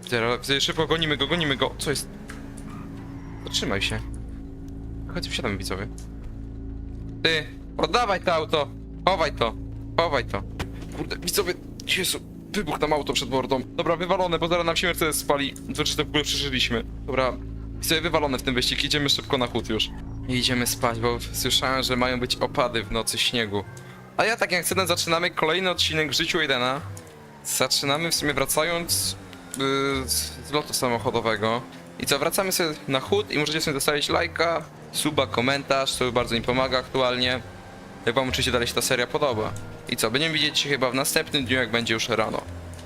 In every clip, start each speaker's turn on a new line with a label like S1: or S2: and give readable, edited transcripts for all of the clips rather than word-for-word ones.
S1: Teraz szybko gonimy go. Co jest? Zatrzymaj się. Chodź, wsiadamy, widzowie. Ty, oddawaj to auto. Chowaj to. Chowaj to. Kurde, widzowie, Jezu, wybuch tam auto przed mordą. Dobra, wywalone, bo zaraz nam się Mercedes spali. Znaczy, to w ogóle przeżyliśmy. Dobra, widzowie, wywalone w ten wyścig. Idziemy szybko na chód już. I idziemy spać, bo słyszałem, że mają być opady w nocy śniegu. A ja tak jak chcę, zaczynamy kolejny odcinek w życiu Aidena. Zaczynamy w sumie wracając z lotu samochodowego. I co, wracamy sobie na chód i możecie sobie zostawić lajka, suba, komentarz, to bardzo mi pomaga aktualnie. Jak wam oczywiście dalej się ta seria podoba. I co, będziemy widzieć się chyba w następnym dniu, jak będzie już rano.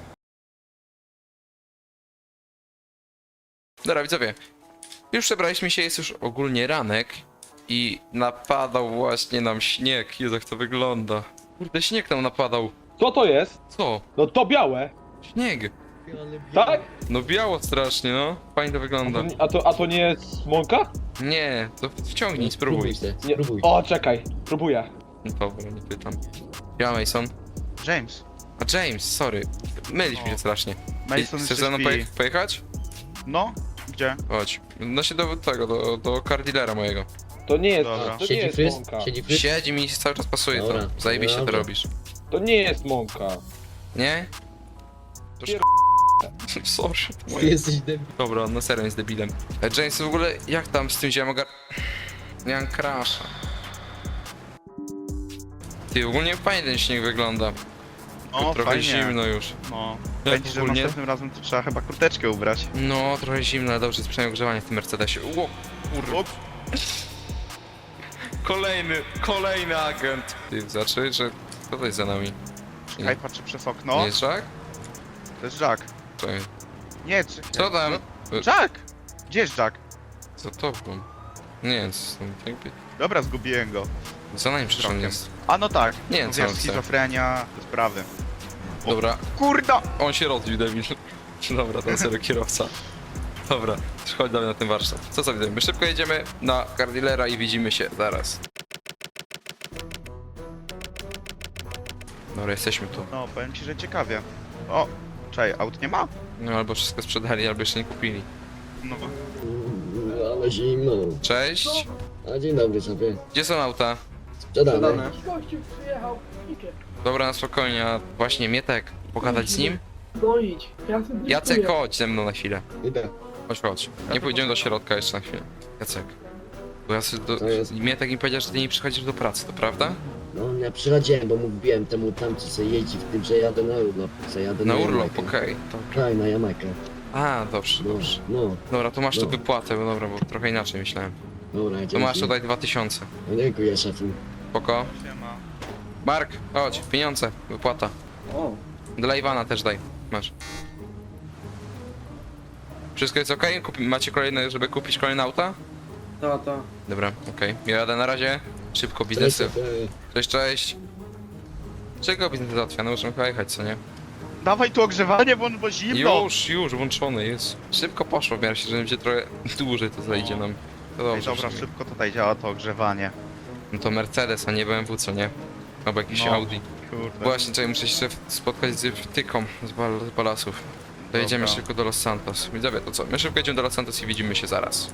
S1: Dobra, widzowie. Już przebraliśmy się, jest już ogólnie ranek. I napadał właśnie nam śnieg. Jezu, jak to wygląda. Kurde, śnieg nam napadał.
S2: Co to jest?
S1: Co?
S2: No to białe.
S1: Śnieg.
S2: Tak?
S1: No biało strasznie, no. Fajnie to wygląda.
S2: A to nie jest mąka?
S1: Nie, to wciągnij, spróbuj.
S2: Nie.
S3: Spróbuj.
S2: O, czekaj, próbuję.
S1: Dobra, nie pytam. Ja Mason.
S4: James.
S1: A James, sorry. Mylisz mi się strasznie.
S4: Mason
S1: Chcesz
S4: jeszcze
S1: ze mną
S4: śpi.
S1: pojechać?
S4: No? Gdzie?
S1: Chodź. No się do tego, do car dealera mojego.
S2: To nie jest,
S4: Dobra.
S2: to nie
S3: Siedzi
S2: jest
S3: fryz?
S2: mąka.
S3: Siedzi fryz?
S1: Siedzi mi cały czas pasuje
S3: Dobra,
S1: to. Zajebiście to
S3: dobra.
S1: robisz.
S2: To nie jest mąka.
S1: Nie? To
S2: Pier-
S1: Sorry. to
S3: Ty
S1: moje.
S3: jesteś debil.
S1: Dobra, no serio jest debilem. James, w ogóle jak tam z tym ziem Ja mam crasha. Ty, ogólnie fajnie ten śnieg wygląda.
S4: O,
S1: Trochę
S4: fajnie.
S1: zimno już.
S4: No.
S1: Jak
S4: Będzie, że
S1: ogólnie?
S4: następnym razem to trzeba chyba kurteczkę ubrać.
S1: No, trochę zimno, ale dobrze jest przynajmniej ogrzewanie w tym Mercedesie. Ło, kurwa. Kolejny agent. Ty, znaczy, że kto to jest za nami?
S4: Czekaj, patrzę przez
S1: Nie
S4: okno.
S1: jest Jack?
S4: To jest Jack.
S1: Czekaj.
S4: Nie,
S1: Co tam?
S4: Jack! Gdzie jest Jack?
S1: Co to było? Nie, co tam jakby...
S4: Dobra, zgubiłem go.
S1: Za nami przecież on
S4: Krokiem.
S1: jest.
S4: A no tak.
S1: Nie wiem,
S4: No
S1: co on
S4: wiesz,
S1: chce.
S4: schizofrenia, te sprawy. O.
S1: Dobra,
S4: Kurda!
S1: on się rozbił, debil. Dobra, ten serio kierowca. Dobra, chodź dalej na ten warsztat. Co za widzimy? My szybko jedziemy na car dealera i widzimy się zaraz. Dobra, jesteśmy tu.
S4: No, powiem ci, że ciekawie. O! Czekaj, aut nie ma?
S1: No albo wszystko sprzedali, albo jeszcze nie kupili.
S4: No.
S3: Ale zimno.
S1: Cześć!
S3: A dzień dobry sobie.
S1: Gdzie są auta?
S3: Sprzedane.
S5: Gościu przyjechał Iker.
S1: Dobra, na spokojnie, a właśnie Mietek, pogadać z nim?
S5: No idź, ja sobie
S1: Jacek, chodź ze mną na chwilę.
S3: Idę.
S1: Chodź. Nie pójdziemy do środka jeszcze na chwilę. Jacek. Bo ja sobie
S3: To jest-
S1: Mietek mi powiedział, że ty nie przychodzisz do pracy, to prawda?
S3: No ja przychodziłem, bo mówiłem temu tam, co sobie jeździ w tym, że jadę na urlop. Co jadę
S1: Na
S3: na
S1: urlop,
S3: Jamajkę.
S1: okej. Dobra.
S3: Tak, na Jamajkę.
S1: A, dobrze,
S3: No,
S1: dobrze.
S3: no,
S1: Dobra, to masz tu
S3: No.
S1: wypłatę, bo dobra, bo trochę inaczej myślałem.
S3: dobra,
S1: To
S3: dzięki.
S1: masz tutaj 2000.
S3: No, dziękuję szefu.
S1: Spoko.
S4: Siema.
S1: Mark, chodź, pieniądze, wypłata.
S2: O.
S1: Dla Iwana też daj, masz. Wszystko jest okej? Macie kolejne, żeby kupić kolejne auta?
S2: Ta.
S1: Dobra, okej. Ja jadę na razie. Szybko
S3: Cześć,
S1: biznesy.
S3: szefie.
S1: Cześć, cześć. Czego biznes załatwia? No możemy chyba jechać, co nie?
S4: Dawaj tu ogrzewanie, bo zimno!
S1: Już, włączony jest. Szybko poszło, w miarę się, że będzie trochę dłużej to zajdzie nam. To
S4: Ej,
S1: dobrze.
S4: dobra,
S1: w sumie.
S4: szybko tutaj działa to ogrzewanie.
S1: No to Mercedes, a nie BMW, co nie? Albo jakiś
S4: No.
S1: Audi.
S4: Kurde.
S1: Właśnie, tutaj muszę się spotkać z wtyką z balasów. Dojedziemy
S4: Dobra.
S1: szybko do Los Santos. Widzowie, to co? My szybko jedziemy do Los Santos i widzimy się zaraz.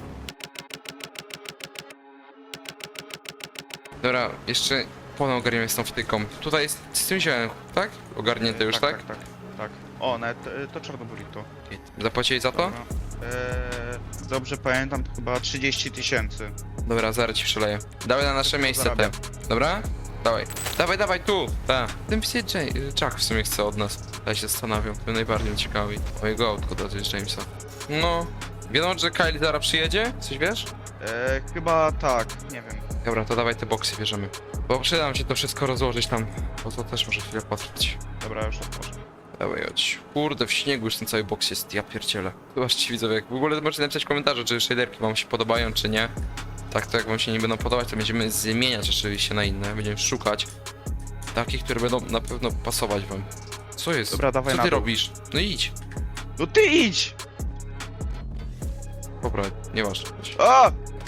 S1: Dobra, jeszcze ponownie ogarniemy z tą wtyką. Tutaj jest z tym ziołem, tak? Ogarnięte już, tak?
S4: Tak. O, nawet to czarno burrito.
S1: Zapłacili za to?
S4: Dobra. Dobrze pamiętam, to chyba 30 000.
S1: Dobra, zaraz ci przeleję. Dawaj na nasze
S4: Szybko
S1: miejsce te.
S4: zarabiam.
S1: Dobra? Dawaj. Dawaj, tu! Ta. Ten pisać Jack w sumie chce od nas. Ja się zastanawiam, to najbardziej ciekawi. Mojego autko to jest Jamesa. No. Wiadomo, że Kylie zaraz przyjedzie? Coś wiesz?
S4: Chyba tak, nie wiem.
S1: Dobra, to dawaj te boksy bierzemy. Bo przyda nam się to wszystko rozłożyć tam, bo to też może chwilę potrwać.
S4: Dobra, już otworzę.
S1: Dawaj, chodź. Kurde, w śniegu już ten cały boks jest, ja pierdzielę. Zobaczcie widzowie, jak w ogóle możecie napisać komentarze, czy shaderki wam się podobają, czy nie. Tak, to jak wam się nie będą podobać, to będziemy zmieniać oczywiście na inne. Będziemy szukać takich, które będą na pewno pasować wam. Co jest?
S4: Dobra, dawaj
S1: Co
S4: na
S1: ty
S4: dół.
S1: robisz? No idź.
S4: No ty idź!
S1: Dobra, nie masz.
S4: A!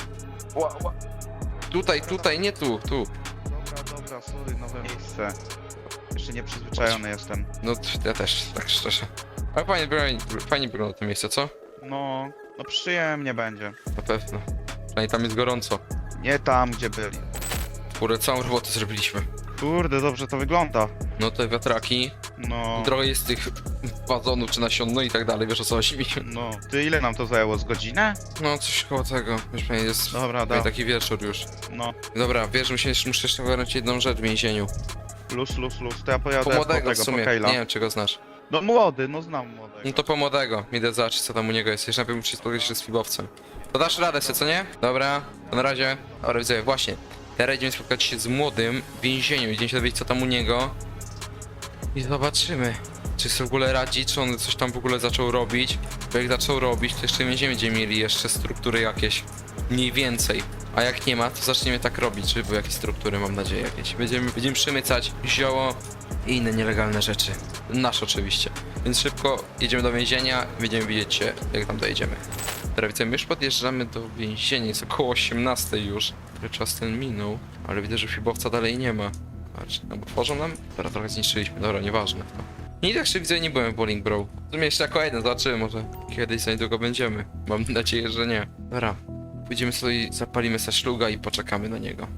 S1: Tutaj, nie tu.
S4: Dobra, sorry, nowe miejsce. Jeszcze nieprzyzwyczajony jestem.
S1: No, ja też, tak szczerze. Ale fajnie wygląda to miejsce, co?
S4: No, no przyjemnie będzie.
S1: Na pewno. Przynajmniej tam jest gorąco.
S4: Nie tam, gdzie byli.
S1: Kurde, całą robotę zrobiliśmy.
S4: Kurde, dobrze to wygląda.
S1: No te wiatraki,
S4: No,
S1: trochę jest tych wazonów czy nasion, no i tak dalej, wiesz o co chodzi mi.
S4: no. Ty ile nam to zajęło? Z godzinę?
S1: No coś koło tego, już pewnie jest
S4: Dobra,
S1: pewnie
S4: da.
S1: taki wieczór już.
S4: No,
S1: Dobra, wiesz, muszę jeszcze ogarnąć jedną rzecz w więzieniu.
S4: luz. To ja pojadę
S1: Po
S4: po
S1: młodego w
S4: tego, po
S1: sumie,
S4: Kejla.
S1: nie wiem czy go znasz.
S4: No młody, no znam młodego.
S1: No to po młodego, idę zobaczyć co tam u niego jest. Jeszcze najpierw muszę spotkać się z fibowcem. To dasz radę sobie, co nie? Dobra, to na razie. Dobra, widzę, właśnie. Teraz idziemy spotkać się z młodym w więzieniu. Idziemy się dowiedzieć co tam u niego. I zobaczymy, czy sobie w ogóle radzi, czy on coś tam w ogóle zaczął robić. Bo jak zaczął robić, to jeszcze będziemy mieli jeszcze struktury jakieś. Mniej więcej. A jak nie ma, to zaczniemy tak robić, żeby były jakieś struktury, mam nadzieję jakieś. Będziemy przemycać zioło i inne nielegalne rzeczy. Nasze oczywiście. Więc szybko jedziemy do więzienia i będziemy widzieć, jak tam dojedziemy. Teraz widzę, my już podjeżdżamy do więzienia, jest około 18 już. Czas ten minął, ale widzę, że fibowca dalej nie ma. Patrz, no bo tworzą nam? Dobra, trochę zniszczyliśmy, dobra, nieważne. Nie tak jeszcze widzę, nie byłem w Bowling Bro. W sumie jeszcze jako jeden, zobaczymy, może kiedyś za niedługo będziemy. Mam nadzieję, że nie. Dobra, pójdziemy sobie, zapalimy sobie szluga i poczekamy na niego.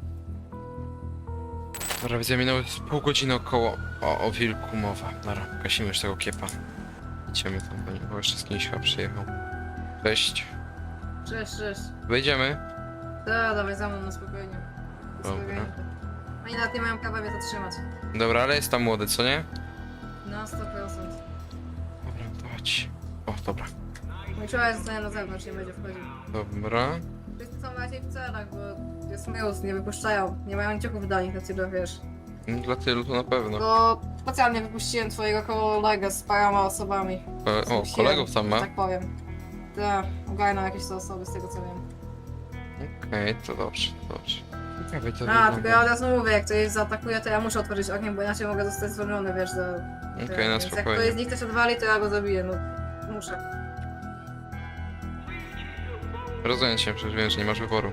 S1: Dobra, widzę, minęło z pół godziny około. O wilku mowa. Dobra, gasimy już tego kiepa. Idziemy tam, bo jeszcze z kimś chyba przyjechał. Cześć.
S5: Cześć.
S1: Wejdziemy.
S5: Da, dawaj za mną, no spokojnie.
S1: Dobra.
S5: Spokojnie. Oni nawet nie mają prawa mnie zatrzymać.
S1: Dobra, ale jest tam młody, co nie?
S5: No, 100%.
S1: Dobra, to chodź. O, dobra.
S5: Mój człowiek zostanie na zewnątrz, nie będzie wchodził.
S1: Dobra.
S5: Wszyscy są raczej w celach, bo jest news, nie wypuszczają. Nie mają niciuchów dla nich, na ciebie wiesz.
S1: No, dla tylu to na pewno.
S5: Bo specjalnie wypuściłem twojego kolegę z paroma osobami.
S1: O, kolegów tam ma?
S5: Tak powiem. Tak, ogarną jakieś te osoby z tego co wiem.
S1: Okej, to dobrze, to dobrze. Ciekawe to
S5: A, tylko
S1: wygląda.
S5: ja od razu mówię, jak ktoś zaatakuje, to ja muszę otworzyć ogniem, bo inaczej mogę zostać zwolniony, wiesz, za...
S1: Okej, na
S5: Więc jak ktoś
S1: spokojnie.
S5: z nich też odwali, to ja go zabiję, no. Muszę.
S1: Rozumiem cię, przecież wiem, że nie masz wyboru.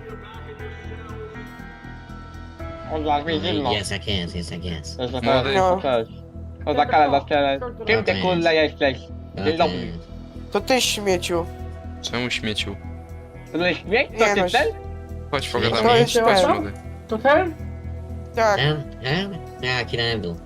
S2: On dla mnie zimno.
S3: Yes, I can, yes, I can.
S1: Młody.
S2: Cześć. O, za karę, za ścielę. Kim ty kurde jesteś? Dzień dobry.
S6: To ty śmieciu.
S1: Czemu śmieciu?
S2: To jest śmiech?
S6: Nie
S2: To
S6: no,
S2: ty ten?
S1: Chodź,
S6: To
S1: pogadamy.
S6: jest
S1: Chodź,
S6: ten.
S1: młody.
S5: To ten?
S6: tak.
S3: Ten? Jaki ten był?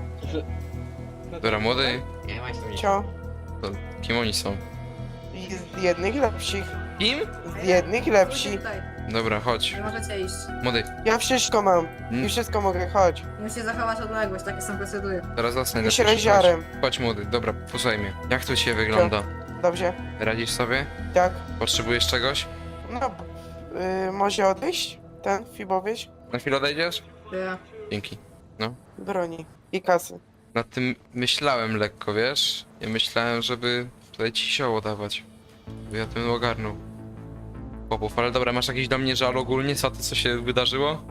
S1: Dobra, młody.
S3: Ja właśnie.
S6: Cio.
S1: To kim oni są?
S6: Z jednych lepszych.
S1: Kim?
S6: Z jednych lepsi.
S5: Tutaj,
S1: Dobra, chodź.
S5: nie możecie iść.
S1: Młody,
S6: Ja wszystko mam.
S1: Mm.
S6: I wszystko mogę, chodź.
S5: Musicie zachować odległość, takie są procedury.
S1: teraz zasnę.
S6: Iść rozziarem.
S1: Chodź, młody, dobra, posłuchaj mnie. Jak to cię wygląda?
S6: Dobrze.
S1: Radzisz sobie?
S6: Tak.
S1: Potrzebujesz czegoś?
S6: No. Może odejść? Ten fibowieć?
S1: Na chwilę odejdziesz?
S5: Ja.
S1: Dzięki.
S6: Broni. I kasy.
S1: Nad tym myślałem lekko, wiesz? Ja myślałem, żeby tutaj ci sioło dawać. Bo ja tym ogarnął. Chłopów, ale dobra, masz jakiś do mnie żal ogólnie za to, co się wydarzyło?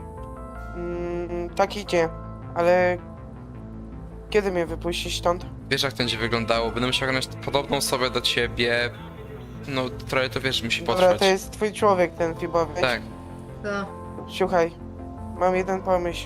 S6: Tak idzie. Ale... Kiedy mnie wypuścisz stąd?
S1: Wiesz, jak to będzie wyglądało? Będę musiał ogarnąć podobną osobę do ciebie. No, trochę to wiesz, musi
S6: Dobra,
S1: potrwać.
S6: to jest twój człowiek, ten fibowieć.
S1: Tak,
S5: To.
S6: Słuchaj. Mam jeden pomysł.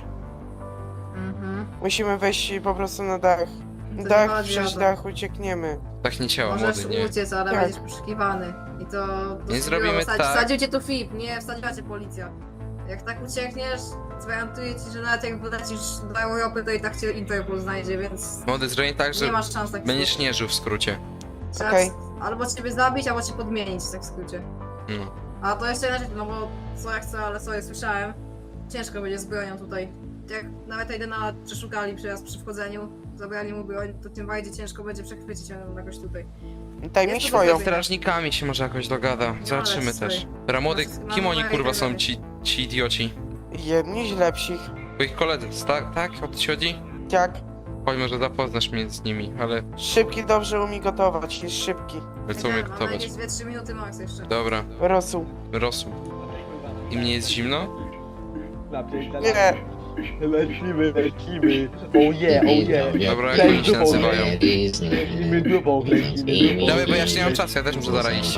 S5: Mhm.
S6: Musimy wejść po prostu na dach.
S5: To nie
S6: Dach,
S5: chodzi o
S6: przez
S5: to.
S6: dach uciekniemy.
S1: tak nie ciało,
S5: Możesz
S1: młody, nie.
S5: uciec, ale
S6: Tak.
S5: będziesz poszukiwany. I to...
S1: Nie zrobimy tak.
S5: Wsadził cię tu FIB, nie wsadziła cię policja. Jak tak uciekniesz, gwarantuję ci, że nawet jak wlecisz do Europy, to i tak cię Interpol znajdzie, więc...
S1: Młody, zrobię tak,
S5: Nie
S1: że
S5: masz szans tak
S1: będziesz nie żył w skrócie.
S5: Trzeba
S6: Okej.
S5: albo ciebie zabić, albo cię podmienić, tak w skrócie.
S1: No.
S5: A to jeszcze inaczej, no bo co jak co, ale sorry, słyszałem. Ciężko będzie z bronią tutaj. Jak nawet Aidena przeszukali przy wchodzeniu, zabrali mu broń, to tym bardziej ciężko będzie przechwycić ją jakoś tutaj.
S6: Daj mi
S5: Jest to
S6: swoją.
S5: dobre.
S1: Strażnikami się może jakoś dogada. Zobaczymy
S5: ale
S1: też.
S5: słuchaj.
S1: Dobra, młody,
S5: Mamy
S1: kim oni
S5: numery
S1: kurwa
S5: i tak
S1: są
S5: dalej.
S1: ci idioci?
S6: Jedni z lepszych.
S1: Twoich koledzy, tak? O to ci chodzi?
S6: Tak.
S1: Chodź, może zapoznasz mnie z nimi, ale
S6: Szybki dobrze umie gotować, jest szybki.
S1: co umie
S5: Mamy
S1: gotować?
S5: jakieś 2-3 minuty max jeszcze.
S1: Dobra,
S6: Rosół.
S1: rosół. I mnie jest zimno?
S6: Nie,
S2: Lecimy. Oh yeah.
S1: Dobra, jak oni się nazywają?
S2: Lecimy dupą, lecimy
S1: Dawaj, bo ja jeszcze nie mam czasu, ja też muszę zaraz iść.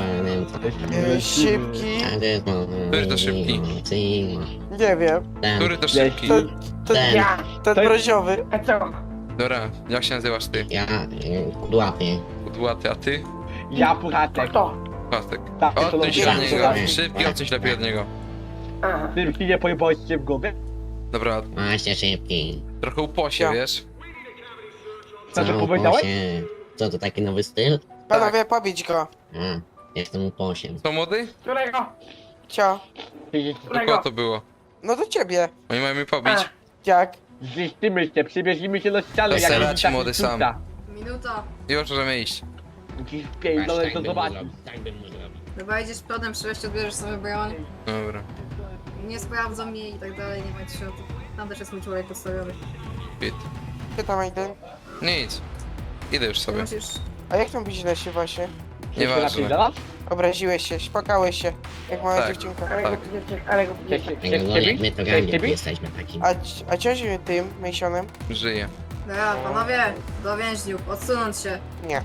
S6: szybki.
S1: Który to szybki?
S6: Nie wiem.
S1: Który to szybki?
S6: To, to,
S3: Ten.
S6: ten broziowy.
S5: A co?
S1: Dobra, jak się nazywasz ty?
S3: Ja, Kudłapie.
S1: Podłaty, a ty?
S2: Ja Puchatek.
S1: Pastek.
S2: Tak, to
S1: Odsuń się
S2: lubię.
S1: od niego. Szybki, odsuń się lepiej od niego.
S2: Ty mi nie pojebałeś się w głowie?
S1: Dobra,
S3: Właśnie szybki.
S1: trochę uposie,
S6: Ja.
S1: wiesz?
S2: Co, że
S3: Co,
S2: powiedziałeś?
S3: uposie? Co, to taki nowy styl?
S6: Panowie, pobić go.
S3: A, jestem uposiem.
S1: Co, młody?
S6: Cio.
S1: Do kogo to było?
S6: No do ciebie.
S1: Oni mają mnie pobić.
S6: Jak?
S2: Zniszczymy się, przybierzmy się do ściany,
S1: To
S2: jak
S1: serać,
S2: widzisz,
S1: młody,
S2: tak
S1: sam.
S2: rzuca.
S5: Minuta.
S1: Już możemy iść.
S2: Musisz pierdolę to zobaczyć.
S3: Tak bym mógł robić.
S5: Chyba idziesz przodem, przyjść, odbierzesz sobie broń.
S1: Dobra.
S5: Nie sprawdzą mnie i tak dalej, nie martw się o to. Tam też jest mój człowiek postawiony.
S1: Bit.
S6: Pytam Aiden.
S1: Nic. Idę już
S5: Ty
S1: sobie.
S5: musisz...
S6: A jak tam źle się właśnie?
S1: Nieważne.
S2: Nieważne.
S6: Obraziłeś się, spłakałeś się. Jak mała
S1: Tak.
S6: dziewczynka.
S1: Tak.
S3: Tego, jak my to rangi jesteśmy takim.
S6: A ciąży tym Masonem?
S1: Żyję.
S5: Dobra, panowie, do więźniów, odsunąć się.
S6: Nie,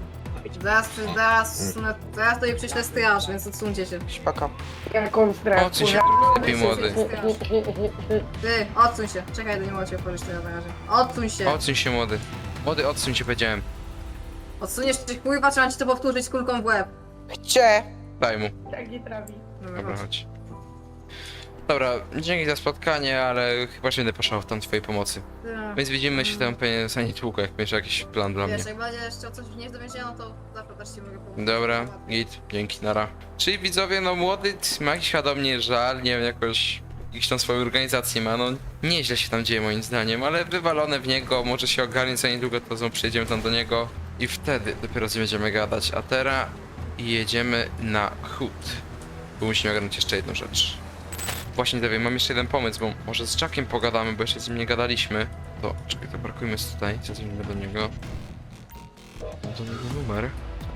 S5: Zaraz tutaj przyślę straż, więc odsuńcie się.
S6: spoko.
S1: Odsuń się, lepiej młody.
S5: Ty, odsuń się. Czekaj, to nie mogę cię otworzyć teraz na razie. Odsuń się.
S1: Odsuń się, młody. Młody, odsuń się, powiedziałem.
S5: Odsuniesz się, kurwa, trzeba ci to powtórzyć z kulką w łeb.
S6: Chcie!
S1: Daj mu.
S5: Dobra,
S1: Dobra,
S5: chodź.
S1: chodź. Dobra, dzięki za spotkanie, ale chyba się będę poszał w tam twojej pomocy.
S5: Ty,
S1: Więc widzimy się tam pewnie za niedługo, jak będziesz jakiś plan dla mnie.
S5: Wiesz, jak będziesz chciał coś wnieść do więzienia, no to zawsze też ci mogę pomóc.
S1: Dobra, git, dzięki, nara. Czyli widzowie, no młody ma jakiś chyba mnie żal, nie wiem, jakiś tam swoją organizację ma, no nieźle się tam dzieje moim zdaniem, ale wywalone w niego, może się ogarnie za niedługo, to znowu przyjedziemy tam do niego i wtedy dopiero będziemy gadać, a teraz jedziemy na chód, bo musimy ogarnąć jeszcze jedną rzecz. Właśnie, Dewie, mam jeszcze jeden pomysł, bo może z Jackiem pogadamy, bo jeszcze z nim nie gadaliśmy. To, czekaj, to parkujmy tutaj, zadzwonimy do niego. Mam do niego numer.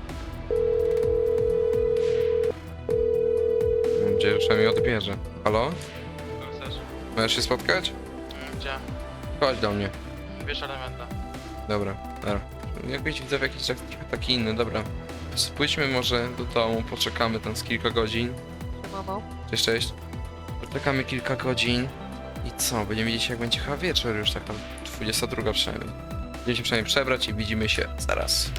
S1: Mam nadzieję, że mnie odbierze. Halo? Możesz się spotkać?
S7: Gdzie?
S1: Chodź do mnie.
S7: Wiesz elementa.
S1: Dobra, dobra. Jakbyś widzę jakiś taki inny, dobra. Pójdźmy może do domu, poczekamy tam z kilka godzin. Cześć, cześć. Poczekamy kilka godzin. I co? Będziemy widzieć jak będzie chyba wieczór już, tak tam 22 przynajmniej. Będziemy się przynajmniej przebrać i widzimy się zaraz.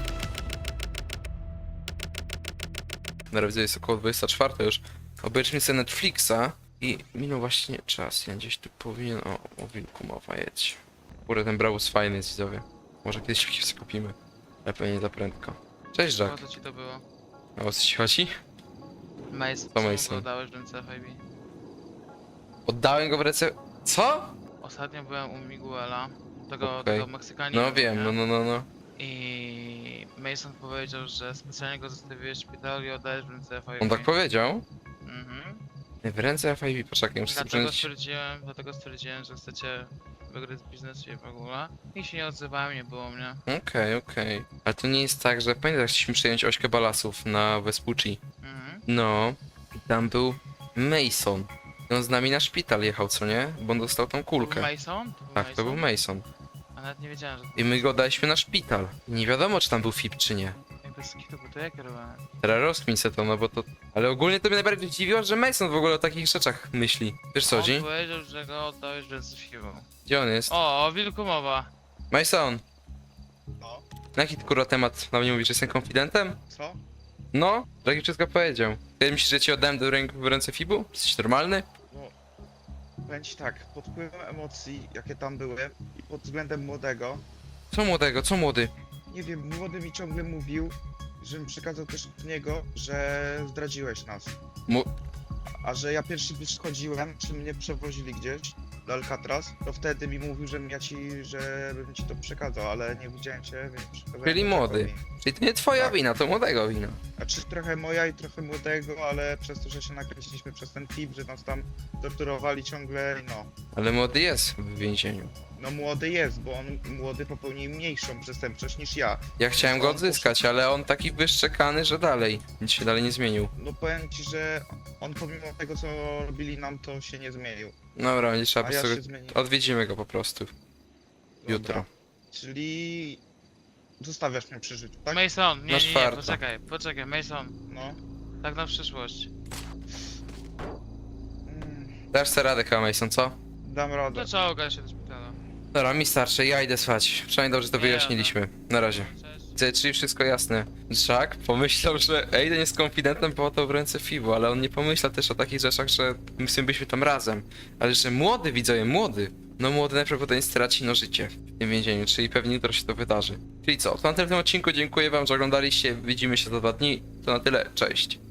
S1: Na razie jest około 24 już. Obejrzyjmy sobie Netflixa i minął właśnie czas. Ja gdzieś tu powinien... O wilku mowa, jedź. Kurde, ten Brabus fajny jest, widzowie. Może kiedyś się skupimy. Ale pewnie za prędko. Cześć,
S7: O
S1: Jack.
S7: co ci to było?
S1: A o co ci chodzi?
S7: Mason,
S1: To
S7: czemu
S1: Mason.
S7: go oddałeś w ręce FIB?
S1: Oddałem go w ręce... Co?
S7: Ostatnio byłem u Miguela, tego
S1: Okej.
S7: Meksykanina.
S1: No wiem, no.
S7: I Mason powiedział, że specjalnie go zostawiłeś w szpitalu i oddałeś w ręce FIB.
S1: On tak powiedział?
S7: Mhm.
S1: W ręce FIB, poczekaj, muszę sobie
S7: Dlatego stwierdziłem, że chcecie wygrać biznes i w ogóle. I się nie odzywałem, nie było mnie.
S1: Okej. Ale to nie jest tak, że pamiętasz, jak chcieliśmy przejąć ośkę balasów na Vespucci.
S7: Mhm.
S1: No, i tam był Mason. I on z nami na szpital jechał, co nie? Bo on dostał tą kulkę.
S7: Mason? To był
S1: Tak, to był Mason.
S7: A nawet nie wiedziałem, że
S1: I my go daliśmy na szpital. I nie wiadomo, czy tam był FIB, czy nie.
S7: jakby z kitu, bo to ja kierowałem.
S1: Teraz rozkmin se to, no bo to... Ale ogólnie to mnie najbardziej dziwiło, że Mason w ogóle o takich rzeczach myśli. Wiesz co,
S7: On
S1: Dzi?
S7: powiedział, że go oddałeś w ręce FIB.
S1: Gdzie on jest?
S7: O wilku mowa.
S1: Mason! Na jaki ty, kurwa temat na mnie mówisz, że jestem konfidentem?
S4: Co?
S1: No, Jackie wszystko powiedział. Ty myślisz, że ci oddałem w ręce FIB-u? Jesteś normalny?
S4: Powiem ci tak, pod wpływem emocji, jakie tam były i pod względem młodego,
S1: Co młodego, co młody?
S4: nie wiem, młody mi ciągle mówił, żebym przekazał też od niego, że zdradziłeś nas. A że ja pierwszy schodziłem, czy mnie przewozili gdzieś do Alcatraz, to wtedy mi mówił, żebym ci to przekazał, ale nie widziałem cię, więc przekazałem.
S1: Czyli
S4: to
S1: młody.
S4: Jackowi.
S1: Czyli to nie twoja
S4: Tak.
S1: wina, to młodego wina.
S4: Znaczy trochę moja i trochę młodego, ale przez to, że się nakręciliśmy przez ten FIB, że nas tam torturowali ciągle, no.
S1: Ale młody jest w więzieniu.
S4: No młody jest, bo on młody popełnił mniejszą przestępczość niż ja.
S1: Ja chciałem go odzyskać, ale on taki wyszczekany, że dalej. Nic się dalej nie zmienił.
S4: No powiem ci, że on pomimo tego co robili nam, to się nie zmienił.
S1: Dobra, będzie trzeba
S4: A
S1: po
S4: ja
S1: prostu...
S4: się zmieniłem.
S1: Odwiedzimy go po prostu. Jutro.
S4: Czyli zostawiasz mnie przy życiu, tak?
S7: Mason, nie,
S1: Na
S7: nie, nie,
S1: czwartą.
S7: poczekaj, Mason.
S4: No.
S7: Tak na przyszłość.
S1: Dasz sobie radę chyba, Mason, co?
S4: Dam radę.
S7: To trzeba ogarnąć się do szpitala.
S1: Dobra, mi starczy, ja idę spać. Przynajmniej dobrze to
S7: Nie,
S1: wyjaśniliśmy. Na razie.
S7: Cześć.
S1: Czyli wszystko jasne. Jack pomyślał, że Aiden jest konfidentem, bo oddał w ręce Fibu, ale on nie pomyślał też o takich rzeczach, że my z tym byliśmy tam razem. Ale że młody, widzowie, młody. No młody najprawdopodobniej straci życie w tym więzieniu, czyli pewnie jutro się to wydarzy. Czyli co, to na tyle w tym odcinku, dziękuję wam, że oglądaliście, widzimy się za 2 dni. To na tyle, cześć.